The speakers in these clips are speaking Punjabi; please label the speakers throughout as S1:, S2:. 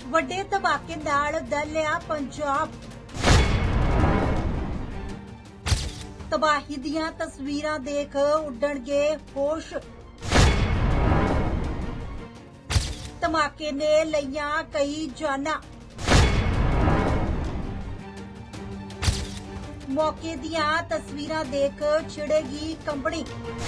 S1: ਵੱਡੇ ਧਮਾਕੇ ਨਾਲ ਦਹਿਲਿਆ ਪੰਜਾਬ। ਤਬਾਹੀ ਦੀਆਂ ਤਸਵੀਰਾਂ ਦੇਖ ਉੱਡਣਗੇ ਹੋਸ਼। ਧਮਾਕੇ ਨੇ ਲਈਆਂ ਕਈ ਜਾਨਾਂ। ਮੌਕੇ ਦੀਆਂ ਤਸਵੀਰਾਂ ਦੇਖ ਛਿੜੇਗੀ ਕੰਬਣੀ।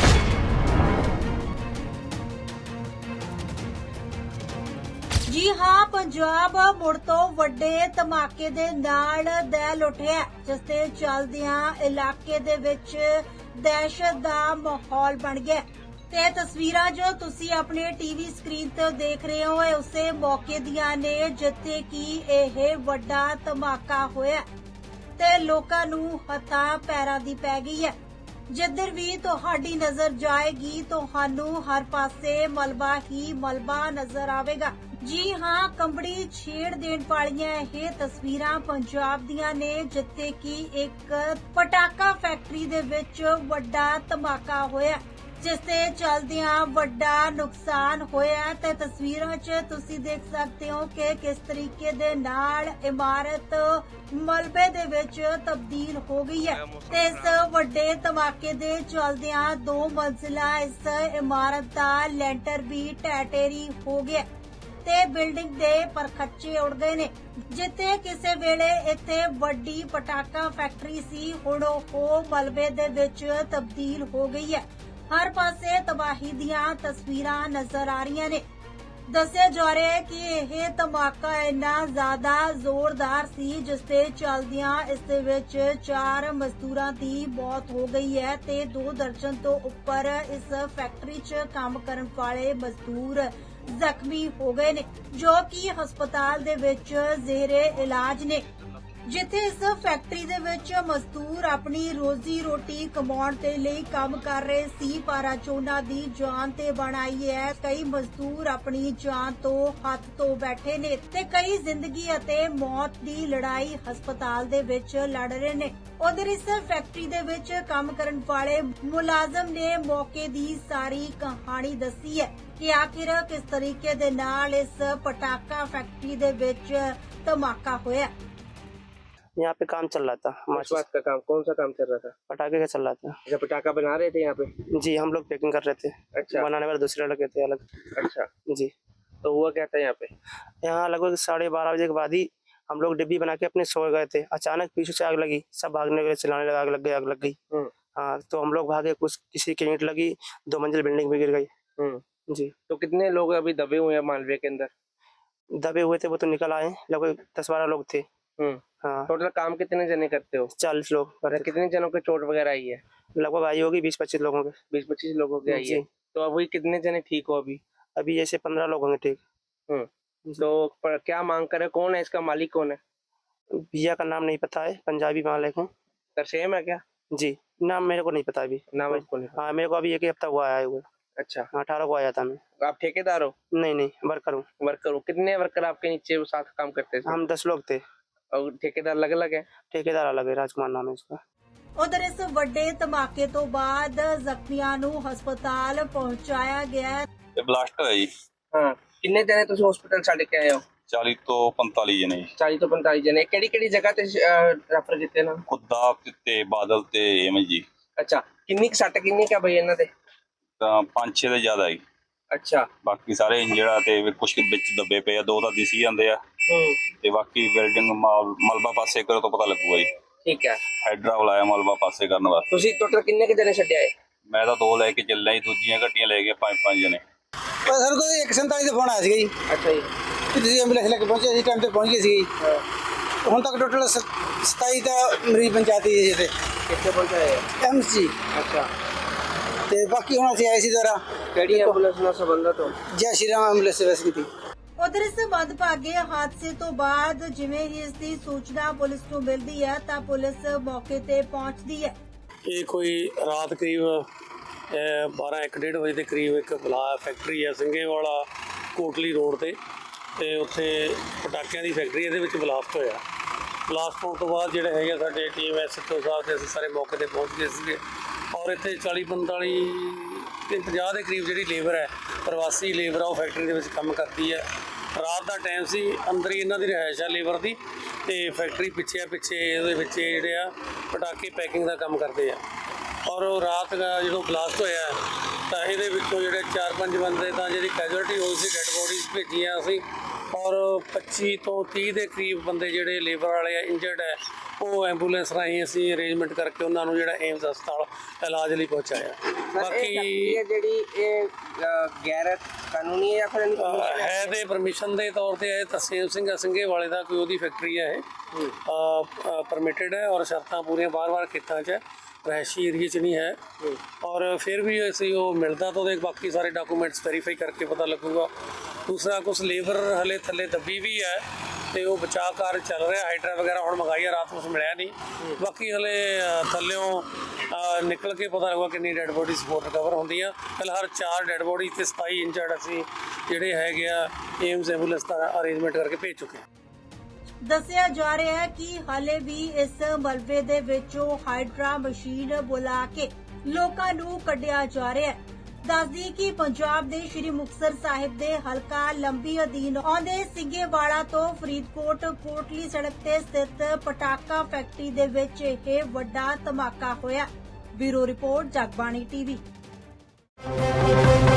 S1: ਜੀ ਹਾਂ, ਪੰਜਾਬ ਮੁੜ ਤੋਂ ਵੱਡੇ ਧਮਾਕੇ ਦੇ ਨਾਲ ਦਹਿਲ ਉੱਠਿਆ, ਜਿਸ ਦੇ ਚੱਲਦਿਆਂ ਇਲਾਕੇ ਦੇ ਵਿੱਚ ਦਹਿਸ਼ਤ ਦਾ ਮਾਹੌਲ ਬਣ ਗਿਆ। ਤੇ ਤਸਵੀਰਾਂ ਜੋ ਤੁਸੀਂ ਆਪਣੇ ਟੀਵੀ ਸਕਰੀਨ ਤੇ ਦੇਖ ਰਹੇ ਹੋ, ਇਹ ਉਸੇ ਮੌਕੇ ਦੀਆਂ ਨੇ ਜਿੱਥੇ ਕਿ ਇਹ ਵੱਡਾ ਧਮਾਕਾ ਹੋਇਆ ਤੇ ਲੋਕਾਂ ਨੂੰ ਹੱਥਾਂ ਪੈਰਾਂ ਦੀ ਪੈ ਗਈ ਹੈ। ਜਿੱਧਰ ਵੀ ਤੁਹਾਡੀ ਨਜ਼ਰ ਜਾਏਗੀ ਤੁਹਾਨੂੰ ਹਰ ਪਾਸੇ ਮਲਬਾ ਹੀ ਮਲਬਾ ਨਜ਼ਰ ਆਵੇਗਾ। ਜੀ ਹਾਂ, ਕੰਬੜੀ ਛੇੜ ਦੇਣ ਵਾਲੀਆਂ ਇਹ ਤਸਵੀਰਾਂ ਪੰਜਾਬ ਦੀਆਂ ਨੇ ਜਿੱਥੇ ਕਿ ਇੱਕ ਪਟਾਕਾ ਫੈਕਟਰੀ ਦੇ ਵਿੱਚ ਵੱਡਾ ਧਮਾਕਾ ਹੋਇਆ, ਜਿਸ ਦੇ ਚੱਲਦਿਆਂ ਵੱਡਾ ਨੁਕਸਾਨ ਹੋਇਆ। ਤੇ ਤਸਵੀਰਾਂ 'ਚ ਤੁਸੀਂ ਦੇਖ ਸਕਦੇ ਹੋ ਕਿ ਕਿਸ ਤਰੀਕੇ ਦੇ ਨਾਲ ਇਮਾਰਤ ਮਲਬੇ ਦੇ ਵਿੱਚ ਤਬਦੀਲ ਹੋ ਗਈ ਹੈ। ਤੇ ਇਸ ਵੱਡੇ ਧਮਾਕੇ ਦੇ ਚੱਲਦਿਆਂ 2 ਮੰਜ਼ਿਲਾ ਇਸ ਇਮਾਰਤ ਦਾ ਲੈਂਟਰ ਵੀ ਢਹਿ-ਢੇਰੀ ਹੋ ਗਿਆ ਤੇ ਬਿਲਡਿੰਗ ਦੇ ਪਰਖੱਚੇ ਉੱਡ ਗਏ ਨੇ। ਜਿੱਥੇ ਕਿਸੇ ਵੇਲੇ ਇੱਥੇ ਵੱਡੀ ਪਟਾਕਾ ਫੈਕਟਰੀ ਸੀ, ਹੁਣ ਉਹ ਮਲਬੇ ਦੇ ਵਿੱਚ ਤਬਦੀਲ ਹੋ ਗਈ ਹੈ। ਹਰ ਪਾਸੇ ਤਬਾਹੀ ਦੀਆਂ ਤਸਵੀਰਾਂ ਨਜ਼ਰ ਆ ਰਹੀਆਂ ਨੇ। ਦੱਸਿਆ ਜਾ ਰਿਹਾ ਹੈ ਕਿ ਇਹ ਧਮਾਕਾ ਇੰਨਾ ਜ਼ਿਆਦਾ ਜ਼ੋਰਦਾਰ ਸੀ ਜਿਸ ਦੇ ਚੱਲਦਿਆਂ ਇਸ ਦੇ ਵਿੱਚ 4 ਮਜ਼ਦੂਰਾਂ ਦੀ ਮੌਤ ਹੋ ਗਈ ਹੈ ਤੇ 2 ਦਰਜਨ ਤੋਂ ਉੱਪਰ ਇਸ ਫੈਕਟਰੀ 'ਚ ਕੰਮ ਕਰਨ ਵਾਲੇ ਮਜ਼ਦੂਰ ਜ਼ਖਮੀ ਹੋ ਗਏ ਨੇ, ਜੋ ਕਿ ਹਸਪਤਾਲ ਦੇ ਵਿੱਚ ਜ਼ੇਰੇ ਇਲਾਜ ਨੇ। ਜਿੱਥੇ ਇਸ ਫੈਕਟਰੀ ਦੇ ਵਿੱਚ ਮਜ਼ਦੂਰ ਆਪਣੀ ਰੋਜ਼ੀ ਰੋਟੀ ਕਮਾਉਣ ਦੇ ਲਈ ਕੰਮ ਕਰ ਰਹੇ ਸੀ, ਪਰ ਅੱਜ ਉਹਨਾਂ ਦੀ ਜਾਨ ਤੇ ਬਣ ਆਈ ਹੈ। ਕਈ ਮਜ਼ਦੂਰ ਆਪਣੀ ਜਾਨ ਤੋਂ ਹੱਥ ਧੋ ਬੈਠੇ ਨੇ ਤੇ ਕਈ ਜ਼ਿੰਦਗੀ ਅਤੇ ਮੌਤ ਦੀ ਲੜਾਈ ਹਸਪਤਾਲ ਦੇ ਵਿੱਚ ਲੜ ਰਹੇ ਨੇ। ਉਧਰ ਇਸ ਫੈਕਟਰੀ ਦੇ ਵਿੱਚ ਕੰਮ ਕਰਨ ਵਾਲੇ ਮੁਲਾਜ਼ਮ ਨੇ ਮੌਕੇ ਦੀ ਸਾਰੀ ਕਹਾਣੀ ਦੱਸੀ ਹੈ ਕਿ ਆਖਿਰ ਕਿਸ ਤਰੀਕੇ ਦੇ ਨਾਲ ਇਸ ਪਟਾਕਾ फैक्ट्री ਦੇ ਵਿੱਚ ਧਮਾਕਾ ਹੋਇਆ।
S2: यहाँ पे काम चल रहा था।
S3: किस बात का काम, कौन सा काम चल रहा था?
S2: पटाखे का चल रहा था।
S3: अच्छा, पटाखा बना रहे थे यहाँ पे?
S2: जी, हम लोग पैकिंग कर रहे थे।
S3: अच्छा।
S2: बनाने वाले दूसरे लड़के थे अलग।
S3: अच्छा,
S2: जी,
S3: तो हुआ क्या था यहाँ पे?
S2: यहाँ लगभग 12:30 बजे के बाद ही हम लोग डिब्बी बना के अपने सो गए थे। अचानक पीछे से आग लगी, सब भागने के लिए चिल्लाने लगा, आग लग गई, आग लग गई। हाँ, तो हम लोग भागे, कुछ किसी की ईंट लगी, 2 मंजिल बिल्डिंग भी गिर गई। जी।
S3: तो कितने लोग अभी दबे हुए हैं मालवे के अंदर?
S2: दबे हुए थे वो तो निकल आए, लगभग 10-12 लोग थे। हाँ,
S3: टोटल काम कितने जने करते हो?
S2: 40 लोग करते।
S3: कितने जनों के चोट वगैरह आई है?
S2: लगभग आई होगी 20-25 लोगों के।
S3: 20-25 लोगों की आई है।
S2: जी।
S3: तो अभी कितने जने ठीक हो अभी?
S2: अभी जैसे 15 लोग होंगे ठीक।
S3: तो क्या मांग करे, कौन है इसका मालिक, कौन है?
S2: भैया का नाम नहीं पता है, पंजाबी मालिक है।
S3: तरसेम है क्या?
S2: जी, नाम मेरे को नहीं पता अभी।
S3: नाम आपको नहीं पता?
S2: हाँ, मेरे को अभी 1 हफ्ता हुआ आया हुआ।
S3: अच्छा,
S2: 18 को आया था मैं।
S3: आप ठेकेदार हो?
S2: नहीं, वर्कर हूँ।
S3: वर्कर हो? कितने वर्कर आपके नीचे साथ काम करते थे?
S2: हम 10 लोग थे।
S3: और ठेकेदार अलग अलग है?
S2: ठेकेदार अलग है, राजकुमार नाम है उसका।
S1: ਉਧਰ ਇਸ ਵੱਡੇ ਧਮਾਕੇ ਤੋਂ ਬਾਅਦ ਜ਼ਖਮੀਆਂ ਨੂੰ ਹਸਪਤਾਲ ਪਹੁੰਚਾਇਆ ਗਿਆ ਹੈ।
S4: ਇਹ ਬਲਾਸਟ ਹੋਇਆ ਜੀ।
S3: ਹਾਂ, ਕਿੰਨੇ ਜਣੇ ਤੁਸੀਂ ਹਸਪਤਾਲ ਛੱਡ ਕੇ ਆਏ ਹੋ?
S4: 40 ਤੋਂ 45 ਜਣੇ ਜੀ।
S3: 40 ਤੋਂ 45 ਜਣੇ। ਕਿਹੜੀ ਕਿਹੜੀ ਜਗ੍ਹਾ ਤੇ ਰੈਫਰ ਕੀਤੇ ਨਾ?
S4: ਖੁੱਦਾ ਤੇ ਬਾਦਲ ਤੇ ਐਵੇਂ ਜੀ।
S3: ਅੱਛਾ, ਕਿੰਨੀ ਕੁ ਸੱਟ ਕਿੰਨੀ ਕੁ ਆ ਬਈ ਇਹਨਾਂ ਦੇ?
S4: ਤਾਂ 5-6 ਦੇ ਜ਼ਿਆਦਾ ਜੀ।
S3: ਅੱਛਾ।
S4: ਬਾਕੀ ਸਾਰੇ ਇੰਜੜਾ ਤੇ ਕੁਝ ਵਿੱਚ ਦੱਬੇ ਪਏ ਆ, 2 ਤਾਂ ਦਿਸੀ ਜਾਂਦੇ ਆ ਤੇ ਬਾਕੀ ਬਿਲਡਿੰਗ ਮਲਬਾ ਪਾਸੇ ਕਰੋ ਤਾਂ ਪਤਾ ਲੱਗੂਗਾ ਜੀ।
S3: ਠੀਕ ਹੈ।
S4: ਹਾਈਡਰਾ ਬੁਲਾਇਆ ਮਲਬਾ ਪਾਸੇ ਕਰਨ ਵਾਸਤੇ।
S3: ਤੁਸੀਂ ਟੋਟਲ ਕਿੰਨੇ ਕੁ ਜਣੇ ਛੱਡਿਆ ਏ?
S4: ਮੈਂ ਤਾਂ 2 ਲੈ ਕੇ ਚੱਲਿਆ ਜੀ, ਦੂਜੀਆਂ ਗੱਡੀਆਂ ਲੈ ਕੇ 5-5 ਜਣੇ।
S5: ਸਰ ਕੋਈ 147 ਦਾ ਫੋਨ ਆਇਆ ਸੀਗਾ ਜੀ
S3: ਅੱਛਾ ਜੀ।
S5: ਕਿ ਤੁਸੀਂ ਐਂਬੂਲੈਂਸ ਲੈ ਕੇ ਪਹੁੰਚੇ ਸੀ, ਟਾਈਮ ਤੇ ਪਹੁੰਚ ਗਏ ਸੀ। ਹੁਣ ਤੱਕ ਟੋਟਲ 27 ਦਾ ਮਰੀਜ਼ ਪਹੁੰਚਾਤੀ ਜੀ ਇੱਥੇ।
S3: ਕਿੱਥੇ ਪਹੁੰਚਾਏ?
S5: ਐਮਸੀ।
S3: ਅੱਛਾ।
S5: ਤੇ ਬਾਕੀ ਹੁਣ ਅਸੀਂ ਆਏ ਸੀ ਦੁਆਰਾ।
S3: ਕਿਹੜੀ ਐਂਬੂਲੈਂਸ ਨਾਲ ਸੰਬੰਧਤ ਹੋ?
S5: ਜੈ ਸ਼੍ਰੀ ਰਾਮ ਐਂਬੂਲੈਂਸ ਸਰਵਿਸ ਕੀਤੀ।
S1: ਉਧਰ ਇਸ ਮੰਦਭਾਗੇ ਹਾਦਸੇ ਤੋਂ ਬਾਅਦ ਜਿਵੇਂ ਹੀ ਇਸ ਦੀ ਸੂਚਨਾ ਪੁਲਿਸ ਨੂੰ ਮਿਲਦੀ ਹੈ ਤਾਂ ਪੁਲਿਸ ਮੌਕੇ ਤੇ ਪਹੁੰਚਦੀ ਹੈ।
S6: ਇਹ ਕੋਈ ਰਾਤ ਕਰੀਬ 12-1:30 ਵਜੇ ਦੇ ਕਰੀਬ ਇੱਕ ਫੈਕਟਰੀ ਹੈ ਸਿੰਘੇਵਾਲਾ ਕੋਟਲੀ ਰੋਡ ਤੇ ਉੱਥੇ ਪਟਾਕਿਆਂ ਦੀ ਫੈਕਟਰੀ, ਇਹਦੇ ਵਿੱਚ ਬਲਾਸਟ ਹੋਇਆ। ਬਲਾਸਟ ਹੋਣ ਤੋਂ ਬਾਅਦ ਜਿਹੜੇ ਹੈਗੇ ਸਾਡੇ ਟੀਮ ਐਸਐਚਓ ਸਾਹਿਬ ਤੇ ਅਸੀਂ ਸਾਰੇ ਮੌਕੇ ਤੇ ਪਹੁੰਚ ਗਏ ਸੀਗੇ ਔਰ ਇੱਥੇ 40-45 ਤੇ 50 ਦੇ ਕਰੀਬ ਜਿਹੜੀ ਲੇਬਰ ਹੈ, ਪ੍ਰਵਾਸੀ ਲੇਬਰ ਆ, ਉਹ ਫੈਕਟਰੀ ਦੇ ਵਿੱਚ ਕੰਮ ਕਰਦੀ ਹੈ ਰਾਤ ਦਾ ਟਾਈਮ ਸੀ, ਅੰਦਰ ਹੀ ਇਹਨਾਂ ਦੀ ਰਿਹਾਇਸ਼ ਆ ਲੇਬਰ ਦੀ, ਤੇ ਫੈਕਟਰੀ ਪਿੱਛੇ ਇਹਦੇ ਵਿੱਚ ਜਿਹੜੇ ਆ ਪਟਾਕੇ ਪੈਕਿੰਗ ਦਾ ਕੰਮ ਕਰਦੇ ਆ। ਔਰ ਉਹ ਰਾਤ ਦਾ ਜਦੋਂ ਬਲਾਸਟ ਹੋਇਆ ਤਾਂ ਇਹਦੇ ਵਿੱਚੋਂ ਜਿਹੜੇ 4-5 ਬੰਦੇ ਤਾਂ ਜਿਹੜੀ ਕੈਜੁਅਲਟੀ ਹੋਈ ਸੀ, ਡੈੱਡ ਬੋਡੀਜ਼ ਭੇਜੀਆਂ ਅਸੀਂ, ਔਰ 25 ਤੋਂ 30 ਦੇ ਕਰੀਬ ਬੰਦੇ ਜਿਹੜੇ ਲੇਬਰ ਵਾਲੇ ਆ ਇੰਜਰਡ ਹੈ, ਉਹ ਐਂਬੂਲੈਂਸ ਰਾਹੀਂ ਅਸੀਂ ਅਰੇਂਜਮੈਂਟ ਕਰਕੇ ਉਹਨਾਂ ਨੂੰ ਜਿਹੜਾ ਏਮਸ ਹਸਪਤਾਲ ਇਲਾਜ ਲਈ ਪਹੁੰਚਾਇਆ। ਬਾਕੀ
S3: गैर कानूनी है या फिर
S6: ਹੈ ਤੇ ਪਰਮਿਸ਼ਨ ਦੇ ਤੌਰ ਤੇ ਹੈ, ਤਰਸੇਮ ਸਿੰਘ ਸਿੰਘੇ ਵਾਲੇ ਦਾ ਕੋਈ ਉਹਦੀ ਫੈਕਟਰੀ ਹੈ, ਇਹ ਪਰਮਿਟਡ ਹੈ ਔਰ ਸ਼ਰਤਾਂ ਪੂਰੀਆਂ ਬਾਰ-ਬਾਰ ਖੇਤਾਂ 'ਚ ਹੈ, ਰਹਿਸ਼ੀ ਏਰੀਏ 'ਚ ਨਹੀਂ ਹੈ। ਔਰ ਫਿਰ ਵੀ ਅਸੀਂ ਉਹ ਮਿਲਦਾ ਤਾਂ ਉਹਦੇ ਬਾਕੀ ਸਾਰੇ ਡਾਕੂਮੈਂਟਸ ਵੈਰੀਫਾਈ ਕਰਕੇ ਪਤਾ ਲੱਗੂਗਾ। ਦੂਸਰਾ ਕੁਛ ਲੇਬਰ ਹਲੇ ਥੱਲੇ ਦੱਬੀ ਵੀ ਹੈ ਤੇ ਉਹ ਬਚਾਅ ਕਾਰਜ ਚੱਲ ਰਿਹਾ, ਹਾਈਡਰਾ ਵਗੈਰਾ ਹੁਣ ਮੰਗਾਈ ਆ, ਰਾਤ ਨੂੰ ਮਿਲਿਆ ਨਹੀਂ। ਬਾਕੀ ਹਲੇ ਥੱਲਿਓਂ ਨਿਕਲ ਕੇ ਪਤਾ ਲੱਗੂਗਾ ਕਿੰਨੀ ਡੈੱਡ ਬੋਡੀਜ਼ ਹੋਰ ਰਿਕਵਰ ਹੁੰਦੀਆਂ। ਫਿਲਹਾਲ 4 ਡੈੱਡ ਬੋਡੀ ਤੇ 27 ਇੰਜਰਡ ਅਸੀਂ ਜਿਹੜੇ ਹੈਗੇ ਆ ਏਮਸ ਐਂਬੂਲੈਂਸ ਦਾ ਅਰੇਂਜਮੈਂਟ ਕਰਕੇ ਭੇਜ ਚੁੱਕੇ ਹਾਂ।
S1: ਦੱਸਿਆ ਜਾ ਰਿਹਾ ਹੈ ਕਿ ਹਾਲੇ ਵੀ ਇਸ ਮਲਬੇ ਦੇ ਵਿੱਚੋਂ ਹਾਈਡਰਾ ਮਸ਼ੀਨ ਬੁਲਾ ਕੇ ਲੋਕਾਂ ਨੂੰ ਕੱਢਿਆ ਜਾ ਰਿਹਾ ਹੈ। ਦੱਸਦੀ ਕਿ ਪੰਜਾਬ ਦੇ ਸ਼੍ਰੀ ਮੁਕਤਸਰ ਸਾਹਿਬ ਦੇ ਹਲਕਾ ਲੰਬੀ ਅਧੀਨ ਆਉਂਦੇ ਸਿੰਘੇਵਾਲਾ ਤੋਂ ਫਰੀਦਕੋਟ ਕੋਟਲੀ ਸੜਕ ਤੇ ਸਥਿਤ ਪਟਾਕਾ ਫੈਕਟਰੀ ਦੇ ਵਿੱਚ ਇਹ ਵੱਡਾ ਧਮਾਕਾ ਹੋਇਆ। Bureau report Jagbani TV.